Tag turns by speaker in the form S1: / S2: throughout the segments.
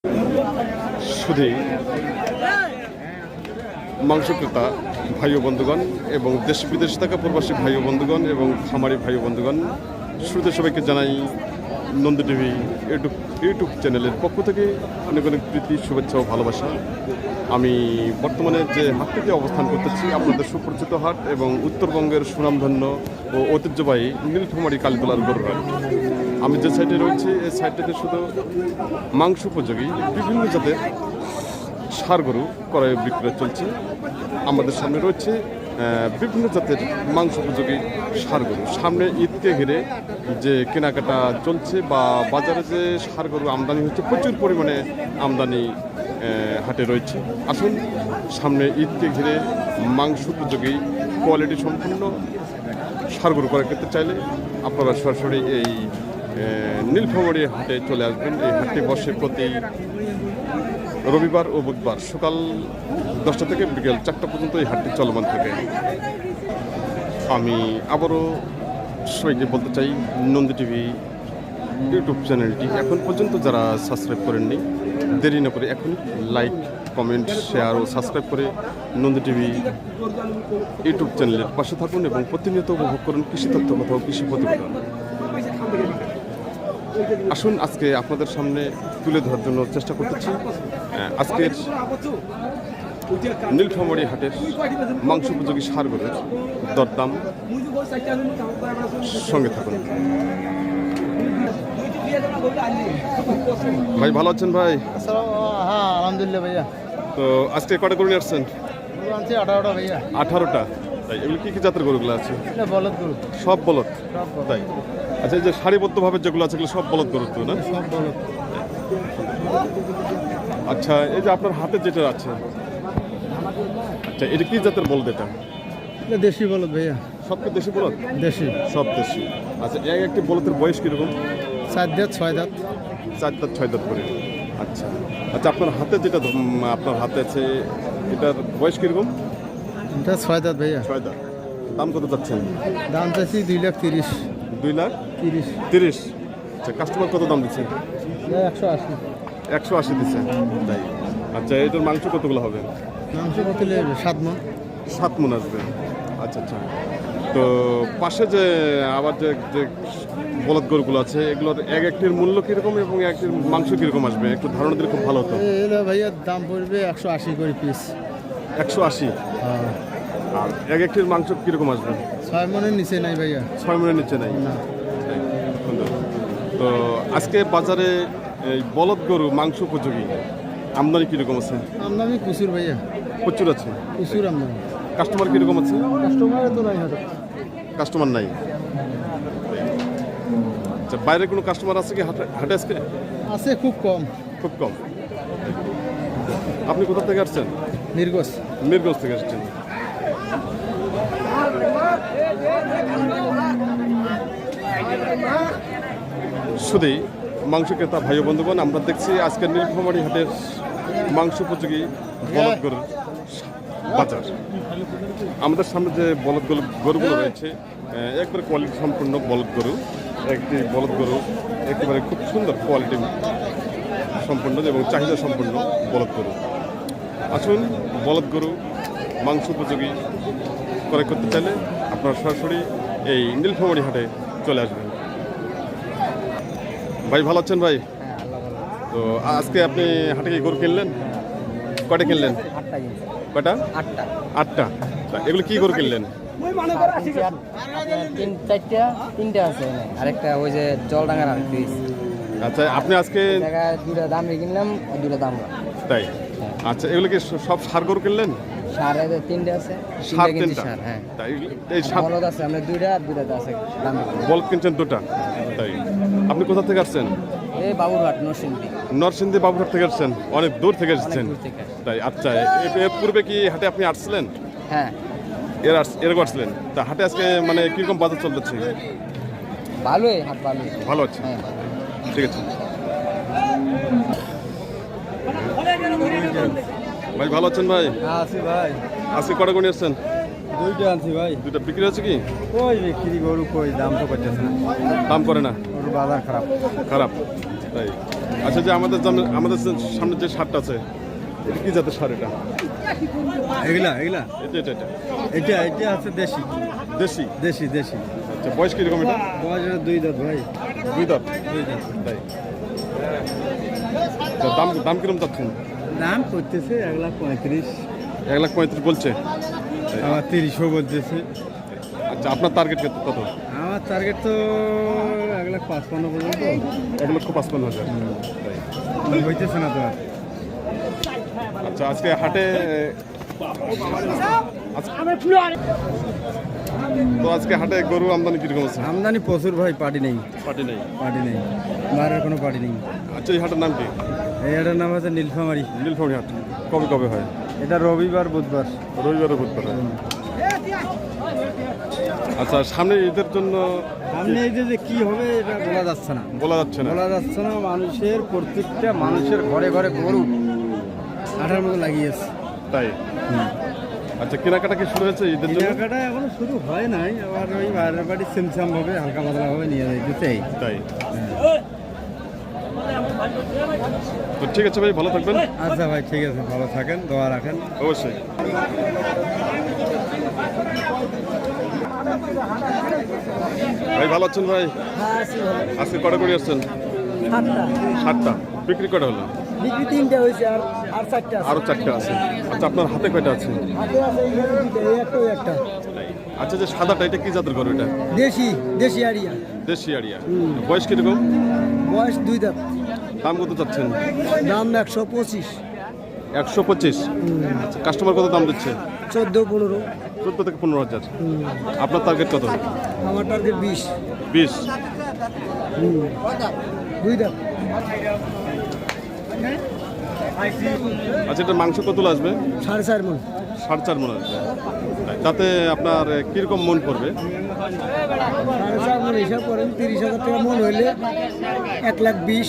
S1: শুধু মাংস ক্রেতা ভাই ও বন্ধুগণ এবং দেশ বিদেশে থাকা প্রবাসী ভাই ও বন্ধুগণ এবং খামারি ভাই ও বন্ধুগণ, শুরুতে সবাইকে জানাই নন্দী টিভি ইউটিউব চ্যানেলের পক্ষ থেকে অনেক অনেক প্রীতি, শুভেচ্ছা ও ভালোবাসা। আমি বর্তমানে যে হাটটিতে অবস্থান করতেছি আপনাদের সুপরিচিত হাট এবং উত্তরবঙ্গের সুনামধন্য ও ঐতিহ্যবাহী নীলফামারী কালীতলার গরুর হাট। আমি যে সাইডে রয়েছি এই সাইডটাতে শুধু মাংস উপযোগী বিভিন্ন জাতের ষাঁড় গরু ক্রয় বিক্রয় চলছে। আমাদের সামনে রয়েছে বিভিন্ন জাতের মাংস উপযোগী ষাঁড় গরু। সামনে ঈদকে ঘিরে যে কেনাকাটা চলছে বা বাজারে যে ষাঁড় গরু আমদানি হচ্ছে, প্রচুর পরিমাণে আমদানি হাটে রয়েছে। আসুন, সামনে ঈদকে ঘিরে মাংস উপযোগী কোয়ালিটি সম্পন্ন ষাঁড় গরু ক্রয় করতে চাইলে আপনারা সরাসরি এই নীলফামারী হাটে চলে আসবেন। এই হাটটি বসে প্রতি রবিবার ও বুধবার সকাল 10টা থেকে বিকেল 4টা পর্যন্ত এই হাটটি চলমান থাকে। আমি আবারও সবাইকে বলতে চাই, নন্দী টিভি ইউটিউব চ্যানেলটি এখন পর্যন্ত যারা সাবস্ক্রাইব করেননি, দেরি না করে এখন লাইক, কমেন্ট, শেয়ার ও সাবস্ক্রাইব করে নন্দী টিভি ইউটিউব চ্যানেলের পাশে থাকুন এবং প্রতিনিয়ত উপভোগ করুন কৃষি তথ্য কথা ও কৃষি প্রতিবেদন। আসুন, আজকে আপনাদের সামনে তুলে ধরার জন্য চেষ্টা করতেছি আজকের নীলফামারী হাটের মাংস উপযোগী ষাঁড় গরুর দরদাম। সঙ্গে থাকুন। ভাই ভালো আছেন ভাই?
S2: হ্যাঁ আলহামদুলিল্লাহ ভাইয়া।
S1: তো আজকে কটা গরু নিয়ে আসছেন?
S2: 18টা ভাইয়া।
S1: 18টা? তাই এগুলো কি কি জাতের গরুগুলো আছে?
S2: বলদ গরু।
S1: সব বলদ? তাই। আচ্ছা, এই যে সারিবদ্ধভাবে যেগুলো আছে এগুলো সব বলদ গরু তো না?
S2: সব বলদ।
S1: আচ্ছা, এই যে আপনার হাতে যেটা আছে, আচ্ছা এটা কি জাতের বলদ? এটা
S2: দেশি বলদ ভাইয়া।
S1: সব কি দেশি বলদ?
S2: দেশি,
S1: সব দেশি। আচ্ছা, একটি বলদের বয়স কিরকম?
S2: 4 দাঁত 6 দাঁত।
S1: 4 দাঁত 6 দাঁত করে। আচ্ছা আচ্ছা, আপনার হাতে যেটা আপনার হাতে আছে এটার বয়স কিরকম?
S2: এটা 6 দাঁত ভাইয়া।
S1: 6 দাঁত। দাম কত যাচ্ছেন?
S2: দাম চাইছি 2,30,000।
S1: 2,30,000? আচ্ছা, কাস্টমার কত দাম দিচ্ছে?
S2: 180।
S1: 180 দিচ্ছে? তাই। আচ্ছা, এটার মাংস কতগুলো হবে?
S2: মাংস কত নেবে? 7 মণ।
S1: 7 মণ আসবে। আচ্ছা আচ্ছা। তো পাশে যে আবার যে যে বলদ গরুগুলো আছে এগুলোর একটির মূল্য কীরকম এবং একটির মাংস কীরকম আসবে একটু ধারণা দিলে খুব ভালো হতো।
S2: এটা ভাইয়া দাম পড়বে 180 করে পিস।
S1: 180?
S2: হ্যাঁ।
S1: আর একটির মাংস কীরকম আসবে?
S2: 6 মণের নিচে নাই ভাইয়া।
S1: 6 মণের নিচে নাই?
S2: না।
S1: তো আজকে বাজারে এই বলদ গরু মাংস উপযোগী আমদানি কীরকম আছে?
S2: আমদানি প্রচুর ভাইয়া।
S1: প্রচুর আছে?
S2: প্রচুর আমদানি।
S1: কাস্টমার কীরকম আছে?
S2: কাস্টমার তো নাই হয়তো।
S1: কাস্টমার নাই? আচ্ছা, বাইরে কোনো কাস্টমার আছে কি হাটে আজকে?
S2: আছে, খুব কম।
S1: খুব কম। আপনি কোথা থেকে আসছেন?
S2: নির্গোষ।
S1: মিরগঞ্জ থেকে আসছেন। শুধু মাংস ক্রেতা ভাই বন্ধুগণ, আমরা দেখছি আজকের নীলফামারী হাটের মাংস উপযোগী বলদ গরুর বাজার। আমাদের সামনে যে বলদ গরুগুলো রয়েছে একবারে কোয়ালিটি সম্পূর্ণ বলদ গরু। একটি বলদ গরু একেবারে খুব সুন্দর কোয়ালিটি সম্পন্ন এবং চাহিদা সম্পন্ন বলদ গরু। আসুন, বলদ গরু মাংস উপযোগী ক্রয় করতে চাইলে আপনারা সরাসরি এই নীলফামারী হাটে চলে আসবেন। ভাই ভালো আছেন ভাই? তো আজকে আপনি হাটে কি গরু কিনলেন? কয়টা কিনলেন?
S2: 8টা।
S1: কয়টা?
S2: 8টা।
S1: 8টা? এগুলো কি গরু কিনলেন?
S2: 3টা আছে, আরেকটা ওই যে জলডাঙ্গার আর পিস।
S1: আচ্ছা, আপনি আজকে
S2: জায়গায় 2টা দাম কিনলাম আর 2টা দাম।
S1: তাই? আচ্ছা, এগুলো কি সব ষাঁড় গরু কিনলেন?
S2: ষাঁড় 3টে আছে।
S1: ষাঁড় 3টা?
S2: হ্যাঁ।
S1: তাই এই ষাঁড়
S2: বলদ আছে আমরা 2টা আর 2টা আছে দাম।
S1: বলদ কিনছেন 2টা? তাই। আপনি কোথা থেকে আসছেন?
S2: এই বাবুরহাট, নরসিংদী।
S1: নরসিংদী বাবুরহাট থেকে আসছেন? অনেক দূর থেকে এসেছেন?
S2: দূর থেকে।
S1: তাই। আচ্ছা, এর পূর্বে কি হাটে আপনি আসছিলেন?
S2: হ্যাঁ।
S1: এরকম আসছিলেন? তা হাটে আজকে মানে কিরকম বাজার চলতেছে?
S2: ভালোই হাট, ভালোই।
S1: ভালো আছে?
S2: হ্যাঁ।
S1: ঠিক আছে ভাই, ভালো আছেন ভাই?
S2: আছি ভাই।
S1: আজকে কটা গরু নিয়ে আসছেন?
S2: 2টা আনছি ভাই।
S1: 2টা বিক্রি হচ্ছে কি?
S2: কই বিক্রি গরু কই, দাম তো করতেছে না।
S1: দাম করে না?
S2: গরু বাজার খারাপ।
S1: খারাপ? তাই। আচ্ছা, যে আমাদের সামনে যে সারটা আছে, এটা কি জাতের সার? এটা
S3: এগুলা
S1: এটা এটা এটা
S3: এটা এটা আছে দেশি
S1: দেশি।
S3: দেশি দেশি।
S1: আচ্ছা, বয়স কিরকম এটা?
S3: বয়স 2 দাঁত ভাই।
S1: 2 দাঁত।
S3: 2 দাঁত।
S1: তাই। তো দাম কিরকম চাচ্ছেন?
S3: দাম করতেছে 1,35,000।
S1: 1,35,000 বলছে।
S3: আবার 30ও বলতেছে।
S1: আচ্ছা, আপনার টার্গেট কত?
S3: আমার টার্গেট তো 1,55,000 পর্যন্ত।
S1: 1,55,000। তাই।
S3: হইতেছে না তো আর।
S1: আচ্ছা, আজকে হাটে তো আজকে হাটে গরু আমদানি কিরকম আছে?
S3: আমদানি প্রচুর ভাই, পার্টি নেই।
S1: পার্টি নেই।
S3: পার্টি নেই, বাইরের কোনো পার্টি নেই।
S1: আচ্ছা, এই হাটের নাম কি?
S3: এই হাটের নাম হচ্ছে নীলফামারী।
S1: নীলফামারী হাট কবে কবে হয়?
S3: এটা রবিবার বুধবার।
S1: রবিবার ও বুধবার হয়। আচ্ছা, সামনে ঈদের জন্য
S3: সামনে এই যে কি হবে এটা বলা যাচ্ছে না।
S1: বলা যাচ্ছে না।
S3: বলা যাচ্ছে না। মানুষের প্রত্যেকটা মানুষের ঘরে ঘরে গরু আঠার মতো লাগিয়েছে।
S1: তাই। আচ্ছা, কেনাকাটা কি শুরু হয়েছে ঈদের জন্য?
S3: কেনাকাটা এখনো শুরু হয় নাই। আবার ওই বাইরের বাড়ি সিমসাম ভাবে হালকা পাতলা ভাবে নিয়ে যাইতেছে।
S1: তাই। তো ঠিক আছে ভাই, ভালো থাকবেন।
S3: আচ্ছা ভাই, ঠিক আছে, ভালো থাকেন, দোয়া রাখেন।
S1: অবশ্যই। ভাই ভালো আছেন ভাই? আজকে কটা করে আসছেন? 7টা। বিক্রি কটা হলো?
S2: বিক্রি 3টা হয়েছে, আর 4টা
S1: আরো 4টা আছে। আচ্ছা, আপনার হাতে কয়টা আছে?
S2: একটা
S1: আচ্ছা, যে সাদাটা এটা কি জাতের গরু? এটা
S2: দেশি আড়িয়া।
S1: দেশি আড়িয়া। বয়স কিরকম?
S2: বয়স 2 দাঁত।
S1: দাম কত চাচ্ছেন?
S2: দাম 125।
S1: 125। আচ্ছা, কাস্টমার কত দাম দিচ্ছে?
S2: 14-15।
S1: 14 থেকে 15,000। আপনার টার্গেট কত?
S2: আমার টার্গেট 20।
S1: 20।
S2: 2 দাঁত।
S1: আচ্ছা, এটা মাংস কত আসবে?
S2: 4.5 মণ।
S1: 4.5 মণ আসবে। তাতে আপনার কিরকম মন পড়বে?
S2: 4.5 মণ হিসাব করেন, 30,000 টাকা মন হইলে 1,20,000।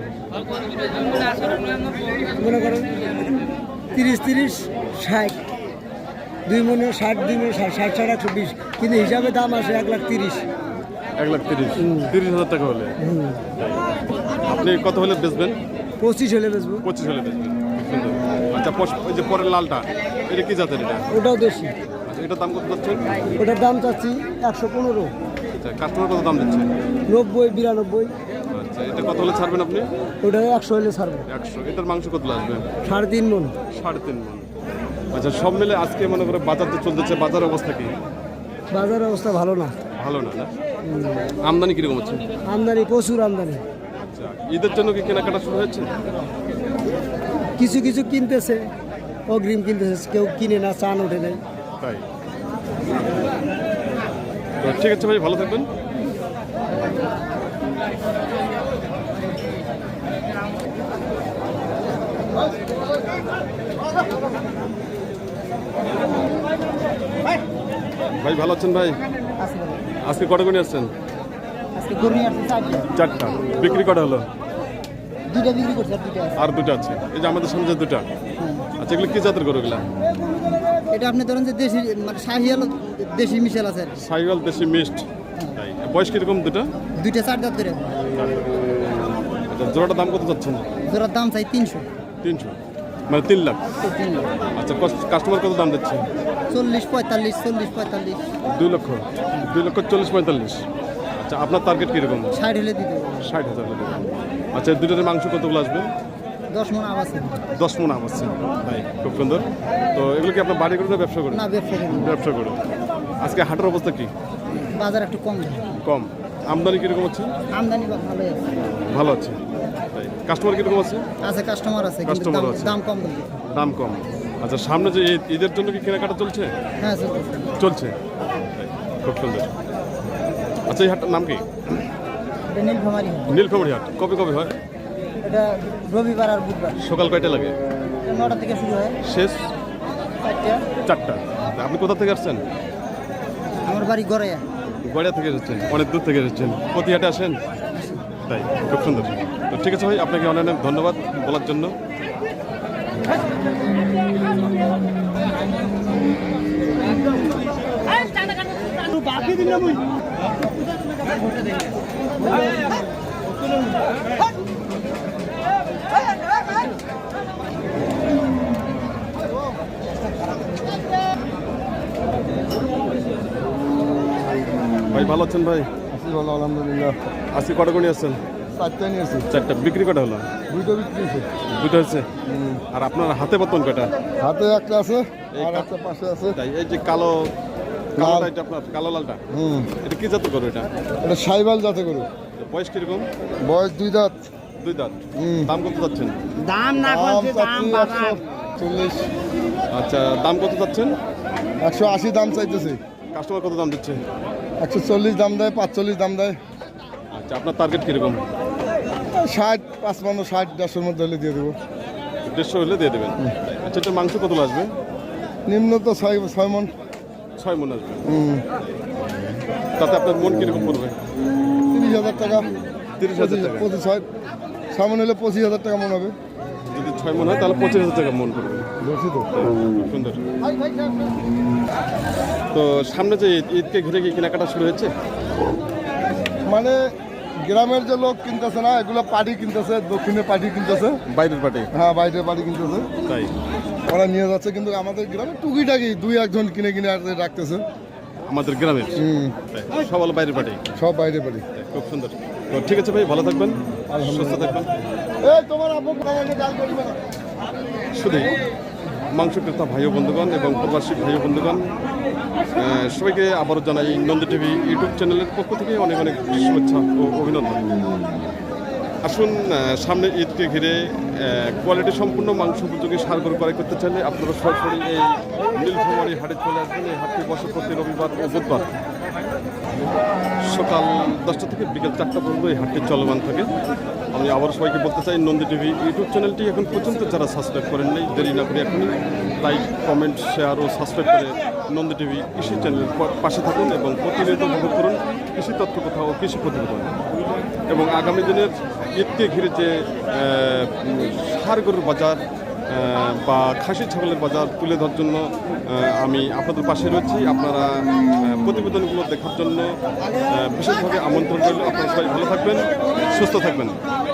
S2: মনে করেন 30-30 60। 2 মনে 60, 2 মনে 60, 60, 120। কিন্তু হিসাবে দাম আসে 1,30,000।
S1: 1,30,000। 30,000 টাকা হলে আপনি কত হলে বেচবেন?
S2: 25 হলে বেচবো।
S1: 25 হলে বেচবেন। সুন্দর। আচ্ছা, ওই যে পরের লালটা, এটা কি জাতের? এটা
S2: ওটাও দেশি।
S1: আচ্ছা, এটার দাম কত যাচ্ছে?
S2: ওটার দাম চাচ্ছি 115।
S1: আচ্ছা, কাস্টমার কত দাম দিচ্ছে?
S2: 90, 92।
S1: আচ্ছা, এটা কত হলে ছাড়বেন আপনি?
S2: ওটা 100 হলে ছাড়বো।
S1: 100। এটার মাংস কত আসবে?
S2: 3.5 মণ।
S1: 3.5 মণ। আচ্ছা, সব মিলে আজকে মনে করে বাজার তো চলতেছে, বাজার অবস্থা কি?
S2: বাজারের অবস্থা ভালো না।
S1: ভালো না? আমদানি কিরকম হচ্ছে?
S2: আমদানি প্রচুর আমদানি।
S1: আচ্ছা, ঈদের জন্য কি কেনাকাটা শুরু হয়েছে?
S2: কিছু কিছু কিনতেছে, অগ্রিম কিনতেছে, কেউ কিনে না, চান ওঠে নেই।
S1: তাই। তো ঠিক আছে ভাই, ভালো থাকবেন। ভাই ভালো আছেন ভাই? আজকে কটা করে আসছেন?
S2: আজকে গরু নিয়ে আসছে
S1: 4টা। বিক্রি কটা হলো?
S2: 2টা বিক্রি করছে, আর 2টা আছে।
S1: আর 2টা আছে। এই যে আমাদের সামনে যে 2টা। আচ্ছা, এগুলো কি জাতের গরু? এগুলা
S2: এটা আপনি ধরেন যে দেশি, মানে শাহিয়াল দেশি মিশাল আছে।
S1: সাইওয়াল দেশি মিক্সড। তাই। বয়স কিরকম 2টা?
S2: 2টা 4 দাঁত করে।
S1: আচ্ছা, জোড়াটা দাম কত চাচ্ছেন?
S2: জোড়ার দাম চাই 300।
S1: 300, মানে 3 লাখ। আচ্ছা, কাস্টমার কত দাম দিচ্ছে?
S2: 40, 45, 40, 45।
S1: 2 লক্ষ। 2,40,45,000। আচ্ছা, আপনার টার্গেট কিরকম?
S2: 60 হলে দিতে হবে।
S1: 60,000 হলে দেবেন। আচ্ছা, এই দুটোর মাংস কতগুলো আসবে?
S2: 10 মণ আবাসে।
S1: 10 মণ আসছে। তাই, খুব সুন্দর। তো এগুলো কি আপনার বাড়ি করে না ব্যবসা করে?
S2: না, ব্যবসা করি।
S1: ব্যবসা করে। আজকে হাটের অবস্থা কি?
S2: বাজার একটু কম যায়।
S1: কম। আমদানি কিরকম আছে?
S2: আমদানি বা ভালোই আছে।
S1: ভালো আছে। তাই। কাস্টমার কিরকম আছে?
S2: আছে, কাস্টমার আছে, কিন্তু
S1: কাস্টমার
S2: দাম
S1: আছে।
S2: দাম কম বলতে।
S1: দাম কম। আচ্ছা, সামনে যে ঈদের জন্য কি কেনাকাটা চলছে?
S2: হ্যাঁ, চলতেছে।
S1: চলছে। তাই, খুব সুন্দর। আচ্ছা, এই হাটটার নাম কি?
S2: এটা নীলফামারী।
S1: নীলফামারী হাট কবে কবে হয়?
S2: এটা রবিবার আর বুধবার।
S1: সকাল কয়টা লাগে?
S2: 9টা থেকে শুরু হয়,
S1: শেষ
S2: 4টা।
S1: 4টা। আপনি কোথা থেকে আসছেন?
S2: আমার বাড়ি গড়াইয়া।
S1: গড়িয়া থেকে এসেছেন? অনেক দূর থেকে এসেছেন। প্রতি হাটে আসেন? তাই, খুব সুন্দর। তো ঠিক আছে ভাই, আপনাকে অনেক অনেক ধন্যবাদ বলার জন্য।
S2: বাকি দিন না মুই
S1: ভালো আছেন ভাই?
S3: আছি ভালো আলহামদুলিল্লাহ।
S1: আজকে কটা করে নিয়ে আসছেন?
S3: 4টা নিয়েছি,
S1: 4টা। বিক্রি কটা হলো?
S3: 2টো বিক্রি হয়েছে।
S1: 2টা হয়েছে। আর আপনার হাতে বর্তমান কয়টা?
S3: হাতে একটা আছে
S1: এই
S3: আর
S1: কা-
S3: একটা পাশে আছে।
S1: তাই এই যে কালো কালোটা এটা আপনার কালো লালটা, এটা কি জাতের গরু এটা?
S3: এটা সাইবাল যাতে গরু,
S1: বয়স কিরকম?
S3: বয়স 2 দাঁত।
S1: 2 দাঁত। দাম কত যাচ্ছেন?
S2: দাম না
S3: দাম
S2: করছে দাম
S3: চাচ্ছি
S2: বাবা
S3: 140,
S1: আচ্ছা, দাম কত যাচ্ছেন?
S3: 180 দাম চাইতেছে।
S1: কাস্টমার কত দাম দিচ্ছে?
S3: 140 দাম দেয়, 45 দাম দেয়।
S1: আচ্ছা, আপনার টার্গেট কিরকম?
S3: 60, 55, 60, 150-এর মধ্যে হলে দিয়ে দেবো।
S1: 150 হলে দিয়ে দেবেন। আচ্ছা, এটা মাংস কত আসবে?
S3: নিম্ন তো 6 মন।
S1: 6 মণ আসবে। তাতে আপনার মন কিরকম পড়বে?
S3: 30,000 টাকা।
S1: 30,000 টাকা।
S3: 26 সামনে হলে 25,000 টাকা মন হবে।
S1: যদি 6 মণ হয় তাহলে 25,000 টাকা মন পড়বে।
S3: বলছি তো।
S1: সুন্দর। তো সামনে যে ঈদকে ঘিরে কি কেনাকাটা শুরু হয়েছে?
S3: মানে গ্রামের যে লোক কিনতেছে না, এগুলো পার্টি কিনতেছে, দক্ষিণে পার্টি কিনতেছে।
S1: বাইরের পার্টি?
S3: হ্যাঁ, বাইরে পার্টি কিনতেছে,
S1: তাই
S3: ওরা নিয়ে যাচ্ছে। কিন্তু আমাদের গ্রামে টুকিটাকি 2-1 জন কিনে কিনে আর রাখতেছে।
S1: আমাদের গ্রামের তাই। সব হলো বাইরের পার্টি।
S3: সব বাইরে পার্টি।
S1: খুব সুন্দর। তো ঠিক আছে ভাই, ভালো থাকবেন, সুস্থ থাকবেন।
S3: এই তোমার আপু আমাকে গাল করবে না।
S1: শুধু মাংস ক্রেতা ভাই ও বন্ধুগণ এবং প্রবাসী ভাই ও বন্ধুগণ, সবাইকে আবারও জানাই নন্দী টিভি ইউটিউব চ্যানেলের পক্ষ থেকে অনেক অনেক শুভেচ্ছা ও অভিনন্দন। আসুন, সামনে ঈদকে ঘিরে কোয়ালিটি সম্পূর্ণ মাংস উপযোগী ষাঁড় গরু ক্রয় করতে চাইলে আপনারা সরাসরি এই নীলফামারী হাটে চলে আসবেন। এই হাটটি বসে প্রতি রবিবার ও বুধবার সকাল 10টা থেকে বিকেল 4টা পর্যন্ত এই হাটটি চলমান থাকে। আমি আবার সবাইকে বলতে চাই, নন্দী টিভি ইউটিউব চ্যানেলটি এখন পর্যন্ত যারা সাবস্ক্রাইব করেন নাই, দেরি না করে এখনই লাইক, কমেন্ট, শেয়ার ও সাবস্ক্রাইব করে নন্দী টিভি কৃষি চ্যানেলের পাশে থাকুন এবং প্রতিনিয়ত উপভোগ করুন কৃষি তথ্য কথা ও কৃষি প্রতিবেদন। এবং আগামী দিনের ঈদকে ঘিরে যে ষাঁড় গরুর বাজার বা খাসি ছাগলের বাজার তুলে ধরার জন্য আমি আপনাদের পাশে রয়েছি। আপনারা প্রতিবেদনগুলো দেখার জন্য বিশেষভাবে আমন্ত্রণ রইল। আপনারা সবাই ভালো থাকবেন, সুস্থ থাকবেন।